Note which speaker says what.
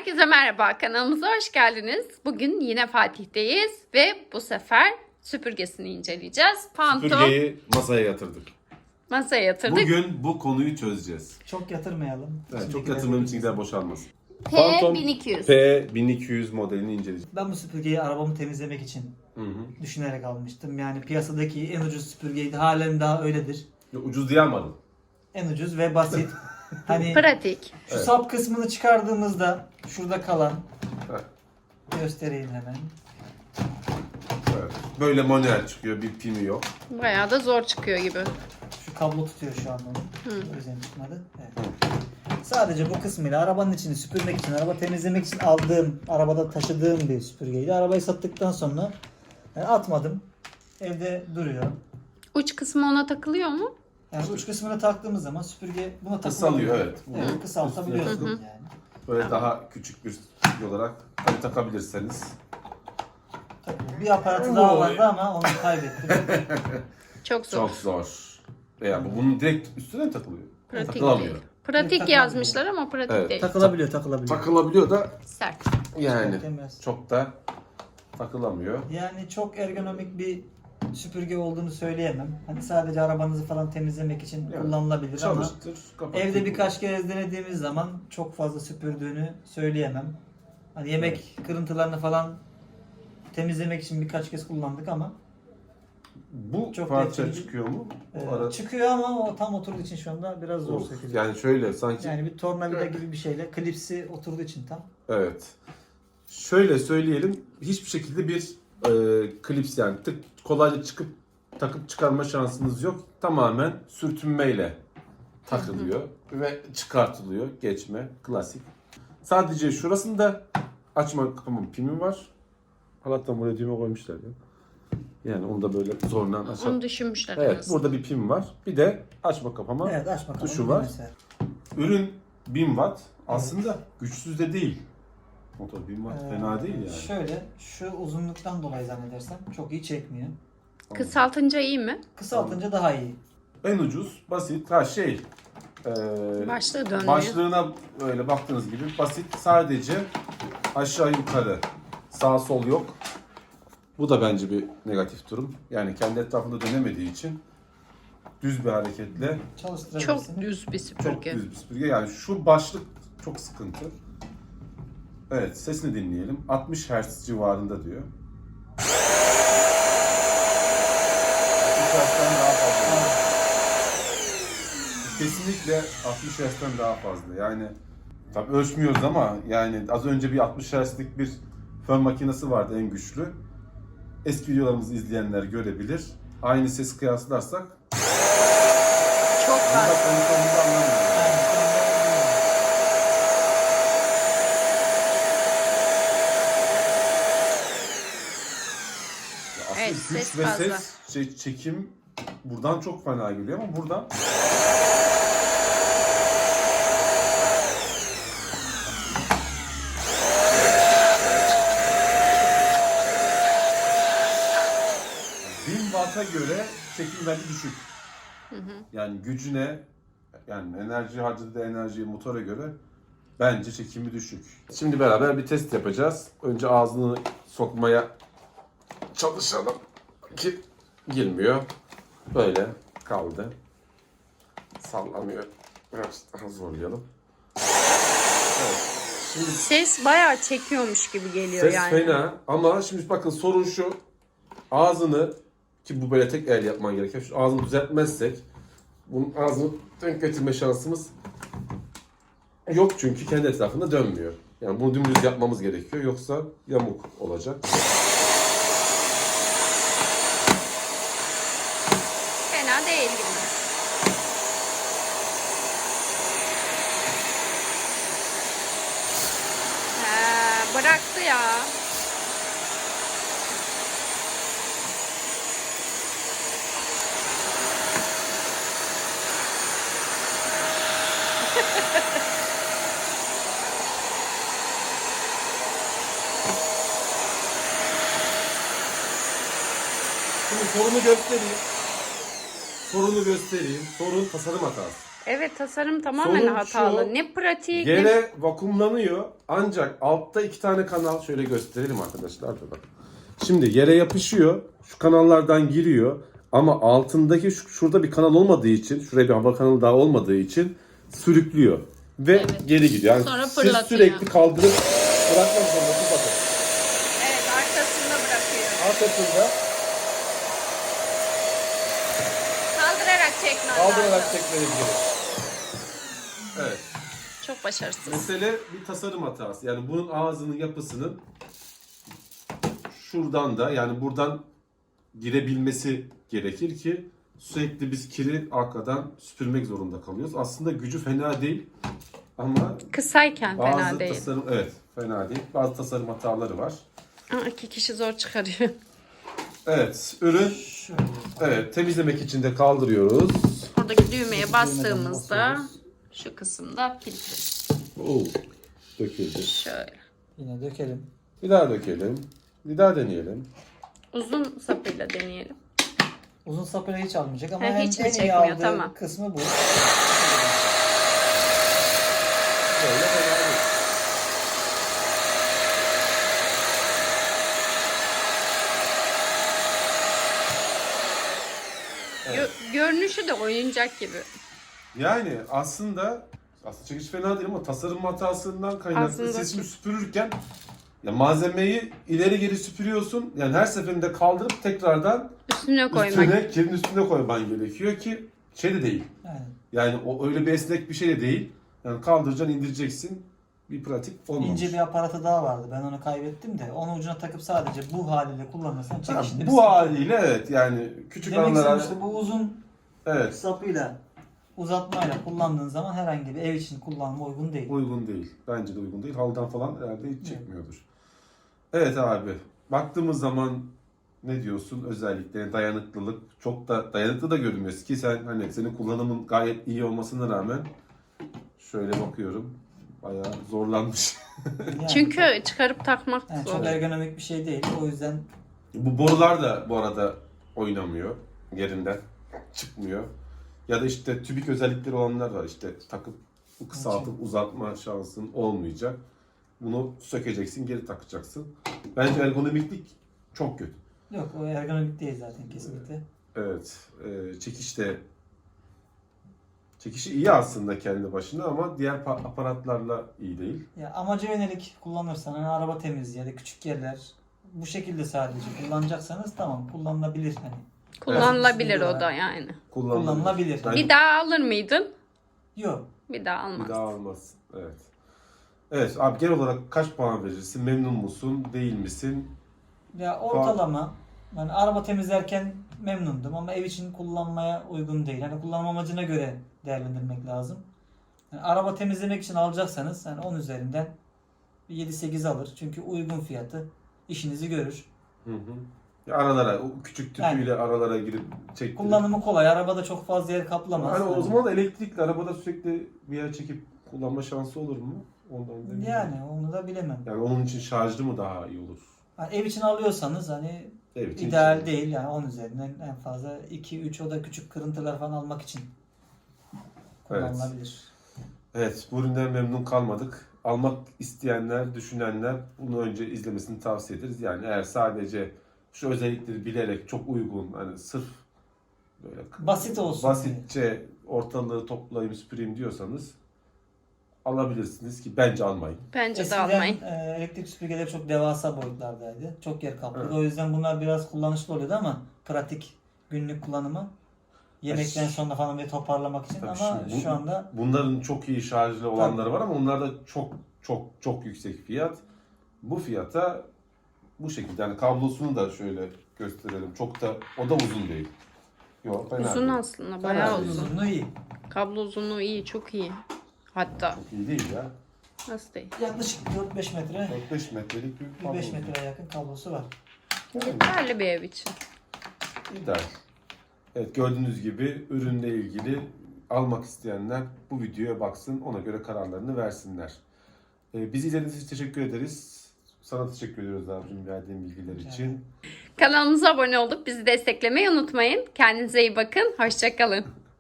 Speaker 1: Herkese merhaba, kanalımıza hoş geldiniz. Bugün yine Fatih'teyiz ve bu sefer süpürgesini inceleyeceğiz. Phantom
Speaker 2: Süpürgeyi masaya yatırdık.
Speaker 1: masaya yatırdık.
Speaker 2: Bugün bu konuyu çözeceğiz.
Speaker 3: Çok yatırmayalım.
Speaker 2: Evet, çok yatırmanın içindekiler boşalmasın.
Speaker 1: P1200.
Speaker 2: P1200 modelini inceleyeceğiz.
Speaker 3: Ben bu süpürgeyi arabamı temizlemek için düşünerek almıştım. Yani piyasadaki en ucuz süpürgeydi. Halen daha öyledir.
Speaker 2: Ucuz diye almadım.
Speaker 3: En ucuz ve basit. Hani
Speaker 1: Pratik.
Speaker 3: şu sap kısmını çıkardığımızda şurada kalan
Speaker 2: Evet.
Speaker 3: göstereyim hemen.
Speaker 2: Evet. Böyle manuel çıkıyor, bir pimi yok.
Speaker 1: Bayağı da zor çıkıyor gibi.
Speaker 3: Şu kablo tutuyor şu an onu. O yüzden çıkmadı. Evet. Sadece bu kısmıyla arabanın içini süpürmek için, araba temizlemek için aldığım, arabada taşıdığım bir süpürgeydi. Arabayı sattıktan sonra atmadım. Evde duruyor.
Speaker 1: Uç kısmı ona takılıyor mu?
Speaker 3: Yani uç kısmını taktığımız zaman süpürge buna
Speaker 2: Kısalıyor,
Speaker 3: takılıyor.
Speaker 2: evet.
Speaker 3: Evet, kısaltabiliyorsun yani.
Speaker 2: Böyle daha küçük bir süpürge olarak tabii takabilirseniz.
Speaker 3: Bir aparatı daha vardı ama onu kaybettim.
Speaker 1: Çok zor.
Speaker 2: Çok zor. Veya bunun direkt üstüne mi takılıyor?
Speaker 1: Pratik
Speaker 2: Takılamıyor.
Speaker 1: değil. Pratik
Speaker 3: Takılamıyor.
Speaker 1: yazmışlar ama pratik
Speaker 2: Evet.
Speaker 1: değil.
Speaker 3: Takılabiliyor.
Speaker 2: Takılabiliyor da
Speaker 1: Sert.
Speaker 2: yani
Speaker 3: Temiz.
Speaker 2: çok da takılamıyor.
Speaker 3: Yani çok ergonomik bir süpürge olduğunu söyleyemem. Hani sadece arabanızı falan temizlemek için
Speaker 2: Yani
Speaker 3: kullanılabilir ama
Speaker 2: Çalıştır, kapat.
Speaker 3: evde birkaç kez denediğimiz zaman çok fazla süpürdüğünü söyleyemem. Hani yemek kırıntılarını falan temizlemek için birkaç kez kullandık ama
Speaker 2: Bu
Speaker 3: çok
Speaker 2: parça
Speaker 3: etkili.
Speaker 2: çıkıyor mu? Bu ara...
Speaker 3: çıkıyor ama o tam oturduğu için şu anda biraz zor
Speaker 2: Of,
Speaker 3: sökülüyor.
Speaker 2: yani şöyle sanki
Speaker 3: Yani bir tornavida gibi bir şeyle klipsi oturduğu için tam.
Speaker 2: evet. Şöyle söyleyelim, hiçbir şekilde bir klips yani kolayca takıp çıkarma şansınız yok. Tamamen sürtünmeyle takılıyor ve çıkartılıyor. Geçme, klasik. Sadece şurasında açma kapama pimi var. Allah'tan buraya düğme koymuşlar ya. Yani onu da böyle zorla açar.
Speaker 1: Onu düşünmüşler en
Speaker 2: Evet,
Speaker 1: azından.
Speaker 2: burada bir pim var. Bir de açma kapama
Speaker 3: Evet, açma kapama
Speaker 2: tuşu var.
Speaker 3: mesela.
Speaker 2: Ürün 1000 watt. Aslında güçsüz de değil. Motor 1000 watt fena değil yani.
Speaker 3: Şöyle, şu uzunluktan dolayı zannedersem çok iyi çekmiyor.
Speaker 1: Kısaltınca iyi mi?
Speaker 3: Kısaltınca daha iyi.
Speaker 2: En ucuz, basit,
Speaker 1: Başlığı dönmüyor.
Speaker 2: başlığına böyle baktığınız gibi basit. Sadece aşağı yukarı, sağ sol yok. Bu da bence bir negatif durum. Yani kendi etrafında dönemediği için düz bir hareketle
Speaker 3: Çalıştırabilirsin.
Speaker 1: Çok düz bir
Speaker 2: çok
Speaker 1: süpürge.
Speaker 2: düz bir süpürge. Yani şu başlık çok sıkıntı. Evet, sesini dinleyelim. 60 Hz civarında diyor. 60 Hz'den daha fazla. Kesinlikle 60 Hz'den daha fazla. Yani tabii ölçmüyoruz ama yani az önce bir 60 Hz'lik bir fön makinesi vardı en güçlü. Eski videolarımızı izleyenler görebilir. Aynı ses kıyaslarsak
Speaker 1: Çok
Speaker 2: bunda
Speaker 1: fazla.
Speaker 2: konuşmamızı anlamıyoruz. Aslında
Speaker 1: Evet,
Speaker 2: güç
Speaker 1: ses
Speaker 2: ve
Speaker 1: fazla.
Speaker 2: ses çekim buradan çok fena geliyor ama buradan Watt'a göre çekim bence düşük. Yani gücüne, yani enerji harcadığı enerjiye motora göre bence çekimi düşük. Şimdi beraber bir test yapacağız. Önce ağzını sokmaya çalışalım ki girmiyor. Böyle kaldı. Sallamıyor. Biraz daha zorlayalım. Evet. Şimdi
Speaker 1: Ses bayağı çekiyormuş gibi geliyor
Speaker 2: ses
Speaker 1: yani.
Speaker 2: fena ama şimdi bakın sorun şu. Ağzını ki bu böyle tek el yapman gerekiyor. Şu ağzını düzeltmezsek bunun ağzını denk getirme şansımız yok çünkü kendi etrafında dönmüyor. Yani bunu dümdüz yapmamız gerekiyor yoksa yamuk olacak.
Speaker 1: Fena değil gibi. Bıraktı ya.
Speaker 2: Şimdi sorunu göstereyim. Sorun tasarım hatası.
Speaker 1: Evet, tasarım tamamen
Speaker 2: Sorun
Speaker 1: hatalı.
Speaker 2: şu,
Speaker 1: Ne pratik ne...
Speaker 2: Yere vakumlanıyor ancak altta 2 tane kanal, şöyle gösterelim arkadaşlar da bak. Şimdi yere yapışıyor, şu kanallardan giriyor ama altındaki şurada bir kanal olmadığı için, şuraya bir hava kanalı daha olmadığı için sürüklüyor ve
Speaker 1: Evet.
Speaker 2: geri gidiyor. Yani
Speaker 1: Sonra
Speaker 2: siz
Speaker 1: fırlatıyor.
Speaker 2: sürekli kaldırıp bırakmak zorundasınız. Bakın
Speaker 1: Evet, arkasında bırakıyor.
Speaker 2: arkasında
Speaker 1: Kaldırarak çekmen
Speaker 2: kaldırarak
Speaker 1: lazım.
Speaker 2: çekmeniz gerekiyor. Evet.
Speaker 1: Çok başarısız.
Speaker 2: Mesele bir tasarım hatası. Yani bunun ağzının yapısının şuradan da, yani buradan girebilmesi gerekir ki sürekli biz kiri arkadan süpürmek zorunda kalıyoruz. Aslında gücü fena değil ama
Speaker 1: Kısayken
Speaker 2: bazı
Speaker 1: fena değil.
Speaker 2: tasarım, evet, fena değil. Bazı tasarım hataları var.
Speaker 1: Aa, 2 kişi zor çıkarıyor.
Speaker 2: Evet, ürün
Speaker 3: Şöyle.
Speaker 2: evet temizlemek için de kaldırıyoruz.
Speaker 1: Oradaki düğmeye bastığımızda
Speaker 3: basıyoruz.
Speaker 1: şu kısımda kilitli.
Speaker 2: Oo, döküldü.
Speaker 1: Şöyle.
Speaker 3: Yine dökelim.
Speaker 2: Bir daha dökelim. Bir daha deneyelim.
Speaker 1: Uzun sapıyla deneyelim.
Speaker 3: Uzun sapıyla hiç almayacak ama
Speaker 1: Ha,
Speaker 3: en,
Speaker 1: hiç mi
Speaker 3: en iyi
Speaker 1: çekmiyor?
Speaker 3: aldığı
Speaker 1: Tamam.
Speaker 3: kısmı bu.
Speaker 2: Böyle fena değil.
Speaker 1: Görünüşü de oyuncak gibi.
Speaker 2: Yani aslında çekiş fena değil ama tasarım hatasından kaynaklı.
Speaker 1: Aslında
Speaker 2: Siz şimdi süpürürken ya malzemeyi ileri geri süpürüyorsun. Yani her seferinde kaldırıp tekrardan
Speaker 1: Üstüne koymak.
Speaker 2: kirin üstüne koyman gerekiyor ki şey de değil.
Speaker 3: Yani
Speaker 2: Yani o öyle bir esnek bir şey de değil. Yani kaldıracaksın, indireceksin. Bir pratik olmamış.
Speaker 3: ince bir aparatı daha vardı. Ben onu kaybettim de onu ucuna takıp sadece bu haliyle kullanırsan
Speaker 2: Ha,
Speaker 3: çekişinde bir
Speaker 2: bu
Speaker 3: sıkıntı yok.
Speaker 2: haliyle evet, yani küçük
Speaker 3: Demek
Speaker 2: anlara
Speaker 3: istedim işte bu uzun
Speaker 2: evet
Speaker 3: sapıyla uzatmayla kullandığın zaman herhangi bir ev için kullanıma uygun değil.
Speaker 2: uygun değil. Bence de uygun değil. Halıdan falan herhalde hiç çekmiyordur. Evet abi. Baktığımız zaman ne diyorsun? Özellikle dayanıklılık. Çok da dayanıklı da görünmüyor ki sen, hani senin kullanımın gayet iyi olmasına rağmen şöyle bakıyorum. Bayağı zorlanmış.
Speaker 3: Yani
Speaker 1: Çünkü çıkarıp takmak
Speaker 3: yani
Speaker 1: zor.
Speaker 3: çok ergonomik bir şey değil. O yüzden
Speaker 2: Bu borular da bu arada oynamıyor. Yerinden çıkmıyor. Ya da işte tübik özellikleri olanlar var. İşte takıp kısaltıp uzatma şansın olmayacak. Bunu sökeceksin, geri takacaksın. Bence ergonomiklik çok kötü.
Speaker 3: yok, o ergonomik değil zaten kesinlikle.
Speaker 2: Evet. Çekişi iyi aslında kendi başına ama diğer aparatlarla iyi değil.
Speaker 3: Ya amaca yönelik kullanırsan hani araba temizliği ya da küçük yerler bu şekilde sadece kullanacaksanız tamam, kullanılabilir hani.
Speaker 1: Kullanılabilir
Speaker 3: Evet.
Speaker 1: o da yani.
Speaker 3: Kullanılabilir.
Speaker 2: Ben-
Speaker 1: Bir daha alır mıydın?
Speaker 3: Yok.
Speaker 1: Bir daha almaz.
Speaker 2: Bir daha almazsın. Evet. Evet abi, genel olarak kaç puan verirsin? Memnun musun? Değil misin?
Speaker 3: Ya ortalama yani araba temizlerken memnundum ama ev için kullanmaya uygun değil. Hani kullanım amacına göre değerlendirmek lazım. Yani araba temizlemek için alacaksanız hani 10 üzerinden bir 7-8 alır. Çünkü uygun fiyatı, işinizi görür.
Speaker 2: Hı hı. Ya aralara, o küçük tüpüyle aralara girip çektirip.
Speaker 3: Kullanımı kolay. Arabada çok fazla yer kaplamaz.
Speaker 2: Hani o
Speaker 3: Hani
Speaker 2: zaman da elektrikli arabada sürekli bir yer çekip kullanma şansı olur mu? Ondan da bilmiyorum.
Speaker 3: yani onu da bilemem.
Speaker 2: Yani onun için şarjlı mı daha iyi olur?
Speaker 3: Hani ev için alıyorsanız hani
Speaker 2: Ev için
Speaker 3: ideal
Speaker 2: şey.
Speaker 3: değil. Yani 10 üzerinden en fazla 2-3, o da küçük kırıntılar falan almak için kullanılabilir.
Speaker 2: Evet, bu üründen memnun kalmadık. Almak isteyenler, düşünenler bunu önce izlemesini tavsiye ederiz. Yani eğer sadece şu özellikleri bilerek çok uygun, hani sırf böyle
Speaker 3: Basit olsun.
Speaker 2: basitçe ortalığı toplayayım süpüreyim diyorsanız alabilirsiniz ki bence almayın.
Speaker 1: Bence de
Speaker 3: Eskiden
Speaker 1: almayın.
Speaker 3: elektrik süpürgeleri çok devasa boyutlardaydı. Çok yer kaplıyordu.
Speaker 2: Evet.
Speaker 3: O yüzden bunlar biraz kullanışlı oluyordu ama pratik günlük kullanıma. Yemekten sonra falan bir toparlamak için
Speaker 2: Tabii
Speaker 3: ama
Speaker 2: şimdi
Speaker 3: şu anda
Speaker 2: bunların çok iyi şarjlı olanları var ama onlar da çok yüksek fiyat. Bu fiyata bu şekilde, yani kablosunu da şöyle gösterelim. Çok da o da uzun değil. Yok, fena
Speaker 1: Uzun
Speaker 2: değil.
Speaker 1: aslında, bayağı
Speaker 2: değil.
Speaker 1: uzun.
Speaker 3: uzunluğu iyi.
Speaker 1: Kablo uzunluğu iyi, çok iyi. Hatta
Speaker 2: Çok iyi değil ya.
Speaker 1: nasıl değil?
Speaker 3: Yaklaşık 4-5 metre,
Speaker 2: 4-5 metrelik bir kablo.
Speaker 3: 5 metreye yakın kablosu var.
Speaker 2: Yani
Speaker 1: Yeterli bir ev için.
Speaker 2: ideal. Evet, gördüğünüz gibi ürünle ilgili almak isteyenler bu videoya baksın, ona göre kararlarını versinler. Bizi izlediğiniz için teşekkür ederiz. Sana teşekkür ediyoruz abicim, verdiğin bilgiler için.
Speaker 1: Kanalımıza abone olup bizi desteklemeyi unutmayın. Kendinize iyi bakın. Hoşça kalın.